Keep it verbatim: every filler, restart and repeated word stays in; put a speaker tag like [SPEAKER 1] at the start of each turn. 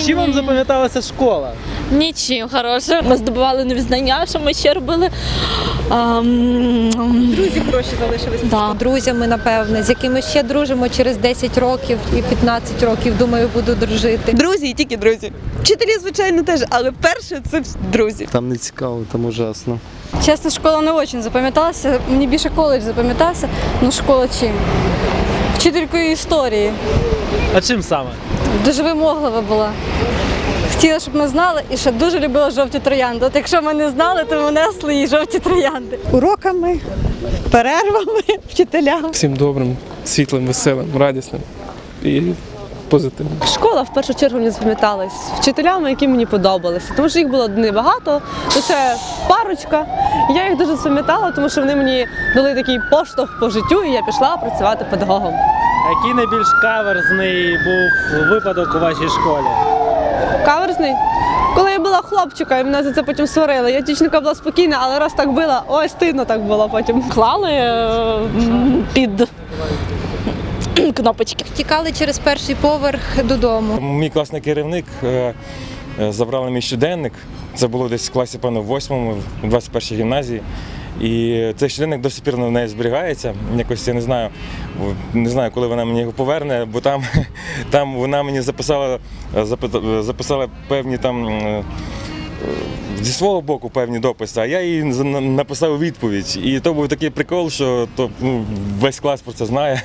[SPEAKER 1] Чим вам запам'яталася школа?
[SPEAKER 2] Нічим хорошим. Ми здобували нові знання, що ми ще робили. Ам,
[SPEAKER 3] Друзі гроші залишились.
[SPEAKER 2] Да.
[SPEAKER 3] Друзями, напевне, з якими ще дружимо через десять років і п'ятнадцять років, думаю, буду дружити.
[SPEAKER 4] Друзі і тільки друзі. Вчителі, звичайно, теж, але перше це друзі.
[SPEAKER 5] Там не цікаво, там ужасно.
[SPEAKER 6] Чесно, школа не дуже запам'яталася. Мені більше коледж запам'ятався. Ну, школа чим? Вчителькою історії.
[SPEAKER 1] А чим саме?
[SPEAKER 6] Дуже вимоглива була. Хотіла, щоб ми знали, і ще дуже любила жовті троянди. От якщо ми не знали, то ми несли їй жовті троянди.
[SPEAKER 4] Уроками, перервами, вчителям.
[SPEAKER 7] Всім добрим, світлим, веселим, радісним і позитивним.
[SPEAKER 8] Школа в першу чергу мені запам'яталась вчителями, які мені подобалися, тому що їх було небагато, лише парочка. Я їх дуже запам'ятала, тому що вони мені дали такий поштовх по життю, і я пішла працювати педагогом.
[SPEAKER 1] Який найбільш каверзний був випадок у вашій школі?
[SPEAKER 8] Каверзний? Коли я була хлопчика, і мене за це потім сварили. Я дівчинка була спокійна, але раз так била, ой, стидно так було потім.
[SPEAKER 2] клали е, під кнопочки.
[SPEAKER 3] Втікали через перший поверх додому.
[SPEAKER 9] Мій класний керівник е, е, забрав на мій щоденник. Це було десь в класі, певно, в восьмому, в двадцять першій гімназії. І цей щоденник до сих пір в неї зберігається. Якось я не знаю, не знаю, коли вона мені його поверне, бо там, там вона мені записала, записала певні там е, зі свого боку певні дописи, а я їй написав відповідь. І то був такий прикол, що то, ну, весь клас про це знає.